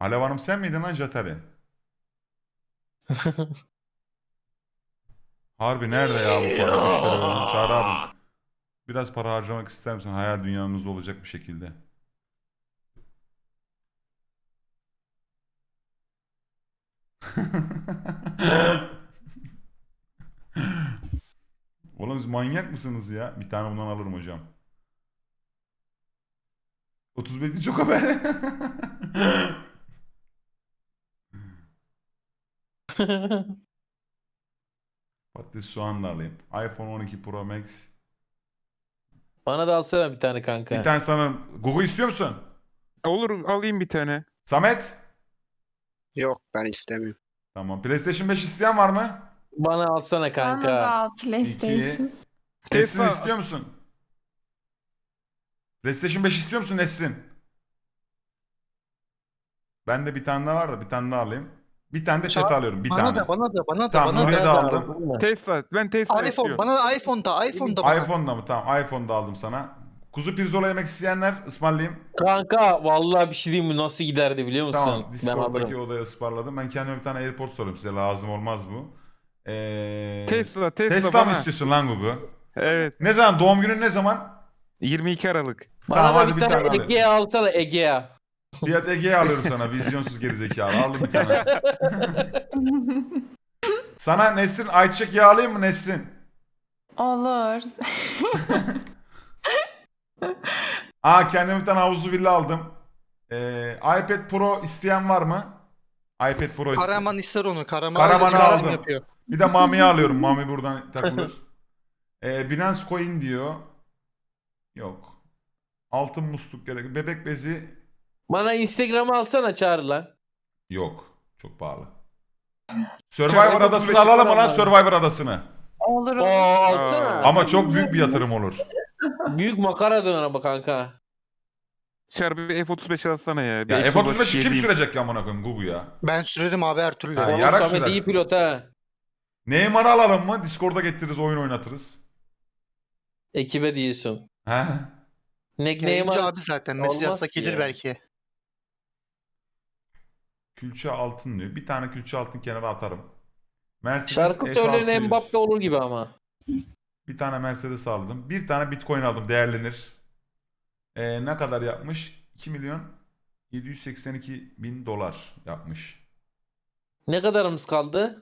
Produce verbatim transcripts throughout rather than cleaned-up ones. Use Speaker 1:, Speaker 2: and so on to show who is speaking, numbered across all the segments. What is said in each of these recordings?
Speaker 1: Alev Hanım sen miydin lan Jatari? Harbi nerede ya bu para? Üç lira verdim. Çağrı abi. Biraz para harcamak ister misin? Hayal dünyamızda olacak bir şekilde. Oğlum siz manyak mısınız ya? Bir tane bundan alırım hocam. otuz beşli çok haber. Patates soğan da alayım. iPhone on iki Pro Max.
Speaker 2: Bana da alsana bir tane
Speaker 1: Bir
Speaker 2: kanka.
Speaker 1: tane sana... Google istiyor musun?
Speaker 3: Olur, alayım bir tane.
Speaker 1: Samet?
Speaker 4: Yok ben istemiyorum.
Speaker 1: Tamam. PlayStation beş isteyen var mı?
Speaker 2: Bana alsana
Speaker 5: Bana da
Speaker 2: kanka.
Speaker 5: al PlayStation.
Speaker 1: Nesrin
Speaker 3: Tesla.
Speaker 1: istiyor musun? PlayStation beş istiyor musun Nesrin? Ben de bir tane daha var da bir tane daha alayım. Bir tane de chat alıyorum. Bir
Speaker 6: Bana
Speaker 1: tane.
Speaker 6: da bana da bana da
Speaker 1: Tamam,
Speaker 6: bana
Speaker 1: Nuri'ye
Speaker 6: da.
Speaker 1: de aldım.
Speaker 3: Tesla. Ben Tesla
Speaker 6: iPhone
Speaker 3: istiyorum.
Speaker 6: bana da iPhone da iPhone da bana.
Speaker 1: iPhone'da mı? Tamam. iPhone'da aldım sana. Kuzu pirzola yemek isteyenler ısmarlayayım.
Speaker 2: Kanka vallahi bir şey diyeyim mi, nasıl giderdi biliyor musun?
Speaker 1: Tamam.
Speaker 2: Ben
Speaker 1: Discord'daki
Speaker 2: alırım.
Speaker 1: odaya ısmarladım. Ben kendime bir tane AirPods sorayım size. Lazım olmaz bu. Ee...
Speaker 3: Tesla, Tesla,
Speaker 1: Tesla mı
Speaker 3: bana.
Speaker 1: istiyorsun lan Gugu?
Speaker 3: Evet.
Speaker 1: Ne zaman? Doğum günün ne zaman?
Speaker 3: yirmi iki Aralık.
Speaker 2: Bana
Speaker 1: Tamam,
Speaker 2: da
Speaker 1: hadi
Speaker 2: bir
Speaker 1: bir
Speaker 2: tane,
Speaker 1: tane alayım.
Speaker 2: Egea alsana Egea.
Speaker 1: Fiyat Ege'ye alıyorum sana. Vizyonsuz gerizekalı. Aldım bir tane. Sana Nesrin ayçiçek yağı alayım mı Nesrin?
Speaker 5: Olur.
Speaker 1: Aa kendime bir tane havuzlu villa aldım. Ee, iPad Pro isteyen var mı? iPad Pro isteyen.
Speaker 6: Karaman ister onu. Karaman
Speaker 1: Karaman'ı
Speaker 6: öyle bir
Speaker 1: aldım.
Speaker 6: resim yapıyor.
Speaker 1: Bir de Mami'yi alıyorum. Mami buradan takılır. Ee, Binance Coin diyor. Yok. Altın musluk gerek. Bebek bezi
Speaker 2: Bana Instagram'ı alsana Çağrı lan.
Speaker 1: yok. Çok pahalı. Survivor
Speaker 2: Çok
Speaker 1: adasını
Speaker 2: otuz beş
Speaker 1: alalım mı lan
Speaker 2: lira
Speaker 1: Survivor adasını?
Speaker 5: Olur
Speaker 2: Oo
Speaker 5: olur.
Speaker 2: alsana.
Speaker 1: Ama çok büyük bir yatırım olur.
Speaker 2: Büyük makara dön ama kanka.
Speaker 3: Şarbi bir F otuz beş alsana ya. Bir
Speaker 1: Ya
Speaker 3: F
Speaker 1: F otuz beşi kim
Speaker 3: gezeyim.
Speaker 1: sürecek ya amına koyayım Gugu ya?
Speaker 6: Ben sürerim abi her türlü.
Speaker 1: Ha,
Speaker 2: Oğlum
Speaker 1: yarak
Speaker 2: Samet iyi
Speaker 1: sürersin.
Speaker 2: pilot ha.
Speaker 1: Neymar'ı alalım mı? Discord'a getiririz, oyun oynatırız.
Speaker 2: Ekibe diyorsun.
Speaker 1: He?
Speaker 2: Nickname'ı
Speaker 6: Yayıncı abi zaten. Mesaj
Speaker 2: Olmaz
Speaker 6: yazsa
Speaker 2: ki
Speaker 6: gelir
Speaker 2: ya.
Speaker 6: belki.
Speaker 1: Külçe altın diyor. Bir tane külçe altın kenara atarım. Mercedes
Speaker 2: Şarkı
Speaker 1: S
Speaker 2: söyleyen
Speaker 1: altı yüz.
Speaker 2: Mbappe olur gibi ama.
Speaker 1: Bir tane Mercedes aldım. Bir tane Bitcoin aldım. Değerlenir. Ee, ne kadar yapmış? iki milyon yedi yüz seksen iki bin dolar yapmış.
Speaker 2: Ne kadarımız kaldı?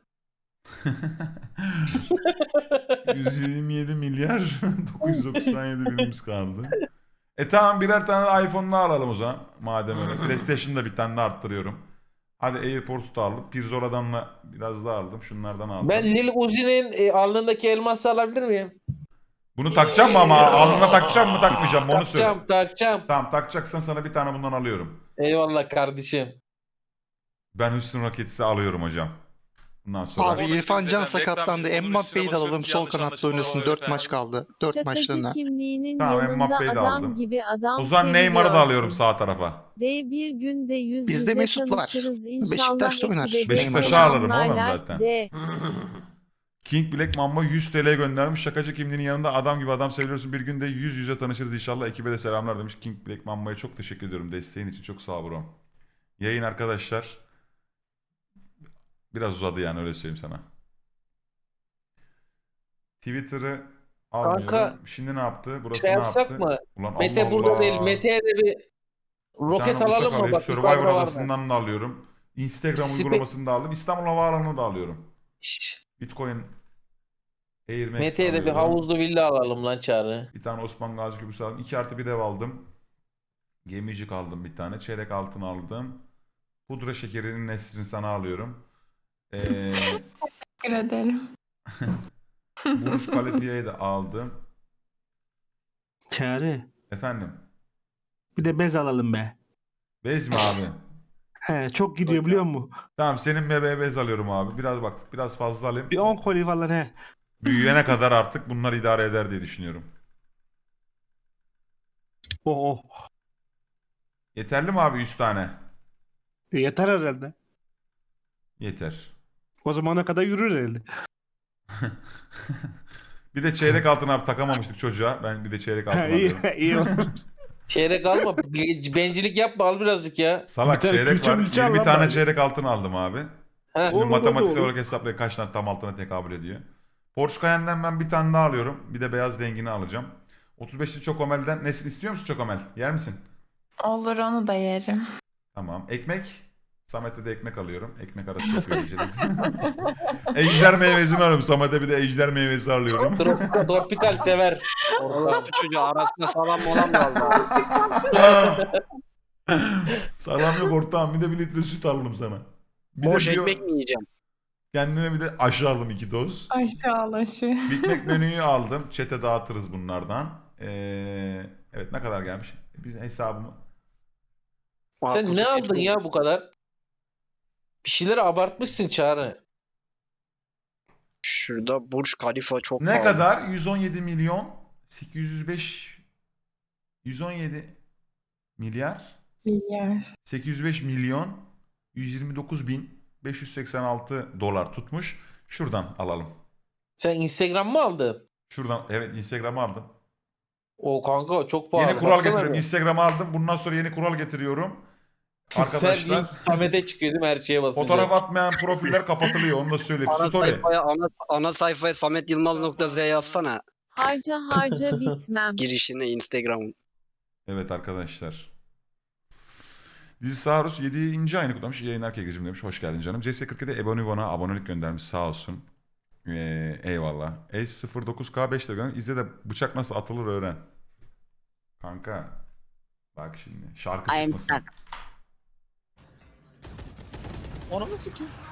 Speaker 1: yüz yirmi yedi milyar dokuz yüz doksan yedi binimiz kaldı. E tamam birer tane iPhone'la alalım o zaman. Madem öyle. PlayStation'da bir tane de arttırıyorum. Hadi AirPods da aldım. Pirzola'dan da biraz daha aldım. Şunlardan aldım.
Speaker 2: Ben Lil Uzi'nin e, alnındaki elması alabilir miyim?
Speaker 1: Bunu takacağım mı ama? Alnına takacağım mı takmayacağım mı onu söyle.
Speaker 2: Takacağım takacağım.
Speaker 1: Tamam takacaksan sana bir tane bundan alıyorum.
Speaker 2: Eyvallah kardeşim.
Speaker 1: Ben Houston Rockets'i alıyorum hocam. Bundan sonra.
Speaker 6: Abi
Speaker 7: Orada
Speaker 6: İrfan
Speaker 7: kim
Speaker 6: Can
Speaker 7: zaten
Speaker 6: sakatlandı.
Speaker 7: reklam işi,
Speaker 6: Mbappe'yi de
Speaker 7: bunun
Speaker 6: alalım.
Speaker 7: üstüne
Speaker 6: Sol
Speaker 7: basıp
Speaker 6: kanatta
Speaker 7: yanlış
Speaker 6: oynasın.
Speaker 7: anlaşılmalar
Speaker 6: dört
Speaker 7: falan
Speaker 6: maç
Speaker 7: filan.
Speaker 6: kaldı. dört
Speaker 8: Şakacı
Speaker 6: maçlarına.
Speaker 8: kimliğinin
Speaker 1: Tamam,
Speaker 8: yanında
Speaker 1: Mbappe'yi de
Speaker 8: adam
Speaker 1: aldım.
Speaker 8: gibi adam
Speaker 1: O zaman Neymar'ı da
Speaker 8: seviyorsun.
Speaker 1: alıyorum sağ tarafa.
Speaker 8: De bir günde yüz
Speaker 6: Bizde
Speaker 8: yüze
Speaker 6: Mesut var.
Speaker 8: tanışırız inşallah.
Speaker 6: Beşiktaş'ta oynar.
Speaker 8: ekibe de
Speaker 1: Beşiktaş'ı alırım oğlum
Speaker 8: selamlarlar.
Speaker 1: zaten.
Speaker 8: De.
Speaker 1: King Black Mamba yüz T L göndermiş. Şakacı kimliğinin yanında adam gibi adam seviyorsun. Bir günde yüz yüze tanışırız inşallah. Ekibe de selamlar demiş. King Black Mamba'ya çok teşekkür ediyorum. Desteğin için çok sağ ol bro. Yayın arkadaşlar. Biraz uzadı yani öyle söyleyeyim sana. Twitter'ı almıyorum.
Speaker 2: Kanka,
Speaker 1: Şimdi ne yaptı? Burası
Speaker 2: Şey
Speaker 1: ne
Speaker 2: yapsak
Speaker 1: yaptı?
Speaker 2: mı?
Speaker 1: Ulan
Speaker 2: Mete
Speaker 1: Allah
Speaker 2: burada
Speaker 1: Allah.
Speaker 2: değil. Mete'ye de bir
Speaker 1: Bir
Speaker 2: roket
Speaker 1: tane uçak
Speaker 2: alalım mı?
Speaker 1: alayım.
Speaker 2: Bak
Speaker 1: Survivor
Speaker 2: yukarıda var mı?
Speaker 1: adasından da alıyorum. Instagram
Speaker 2: Spe-
Speaker 1: uygulamasını da aldım. İstanbul Havaalanı'nı da alıyorum.
Speaker 2: Şşş.
Speaker 1: Bitcoin Air Max
Speaker 2: Mete'ye de bir
Speaker 1: alıyorum.
Speaker 2: havuzlu villa alalım lan Çağrı.
Speaker 1: Bir tane Osman Gazi Köprüsü aldım. iki artı bir ev aldım. Gemicik aldım bir tane. Çeyrek altın aldım. Pudra şekerinin Nesrin sana alıyorum. Ee,
Speaker 5: Teşekkür ederim.
Speaker 1: Burj Khalifa'yı da aldım.
Speaker 9: Çağrı.
Speaker 1: Efendim.
Speaker 9: Bir de bez alalım be.
Speaker 1: Bez mi abi?
Speaker 9: He, çok gidiyor biliyor musun?
Speaker 1: Tamam senin bebeğe bez alıyorum abi. Biraz bak biraz fazla alayım.
Speaker 9: Bir on koli falan he.
Speaker 1: Büyüyene kadar artık bunlar idare eder diye düşünüyorum.
Speaker 9: Oh oh.
Speaker 1: Yeterli mi abi yüz tane?
Speaker 9: E, yeter herhalde.
Speaker 1: Yeter.
Speaker 9: O zamana kadar yürür herhalde.
Speaker 1: Bir de çeyrek altın abi takamamıştık çocuğa. Ben bir de çeyrek altın
Speaker 9: Ha, iyi,
Speaker 1: alıyorum.
Speaker 9: iyi olur.
Speaker 2: Çeyrek alma. Be- Bencillik yapma al birazcık ya.
Speaker 1: Salak
Speaker 9: Bir tane
Speaker 1: çeyrek
Speaker 9: külçe
Speaker 1: var.
Speaker 9: mülçe
Speaker 1: yirmi
Speaker 9: al
Speaker 1: tane
Speaker 9: lan
Speaker 1: çeyrek altın aldım abi.
Speaker 2: Heh.
Speaker 1: Şimdi
Speaker 9: Olur,
Speaker 1: matematiksel
Speaker 9: olur.
Speaker 1: olarak hesaplayın kaç tane tam altına tekabül ediyor. Porsche Cayenne'den ben bir tane daha alıyorum. Bir de beyaz rengini alacağım. otuz beşli Çokomel'den Nesin istiyor musun Çokomel? Yer misin?
Speaker 5: Olur onu da yerim.
Speaker 1: Tamam. Ekmek. Samet'e de ekmek alıyorum. Ekmek arası yapıyor geceleri. Ejder meyvesini alıyorum. Samet'e bir de ejder meyvesi alıyorum.
Speaker 2: Tropikal, tropikal sever.
Speaker 4: Orospu çocuğu arasında salam molam kaldı.
Speaker 1: Salam yok ortağım. Bir de bir litre süt aldım sana. Bir
Speaker 4: Boş
Speaker 1: de bir-
Speaker 4: ekmek mi yiyeceğim?
Speaker 1: Kendime bir de aşı aldım iki doz.
Speaker 5: Aşağılaşı.
Speaker 1: Big Mac menüyü aldım. Çete dağıtırız bunlardan. Ee, evet ne kadar gelmiş? Biz hesabımı...
Speaker 2: Sen
Speaker 4: Aa,
Speaker 2: ne
Speaker 4: kuzu
Speaker 2: aldın
Speaker 4: eti.
Speaker 2: ya bu kadar? Bir şeyleri abartmışsın Çağrı.
Speaker 4: Şurada Burj Khalifa çok
Speaker 1: Ne
Speaker 4: pahalı.
Speaker 1: kadar? yüz on yedi milyon sekiz yüz beş yüz on yedi milyar
Speaker 5: Milyar.
Speaker 1: sekiz yüz beş milyon yüz yirmi dokuz bin beş yüz seksen altı dolar tutmuş. Şuradan alalım.
Speaker 2: Sen Instagram mı aldın?
Speaker 1: Şuradan evet Instagram'ı aldım.
Speaker 2: O kanka çok pahalı.
Speaker 1: Yeni kural
Speaker 2: Baksana
Speaker 1: getiriyorum.
Speaker 2: bir.
Speaker 1: Instagram'ı aldım. Bundan sonra yeni kural getiriyorum. Arkadaşlar
Speaker 2: Sen Samet'e çıkıyor değil mi her şeye basınca?
Speaker 1: fotoğraf atmayan profiller kapatılıyor. Onu da söyleyeyim.
Speaker 4: Ana
Speaker 1: Story.
Speaker 4: sayfaya, ana, ana sayfaya sametyılmaz.z yazsana
Speaker 7: Harca harca bitmem.
Speaker 4: girişine Instagram'ın.
Speaker 1: Evet arkadaşlar. Dizi Saurus yedinci ayını kutlamış. İyi yayınlar Kegeciğim demiş. Hoş geldin canım. C S kırk yedi Ebonivon'a abonelik göndermiş. Sağ olsun. Ee, eyvallah. Ace sıfır dokuz K beş de göndermiş. İzle de bıçak nasıl atılır öğren. Kanka. Bak şimdi. Şarkı
Speaker 7: I am
Speaker 1: çıkmasın.
Speaker 7: stuck.
Speaker 8: Onu mu sikeyim?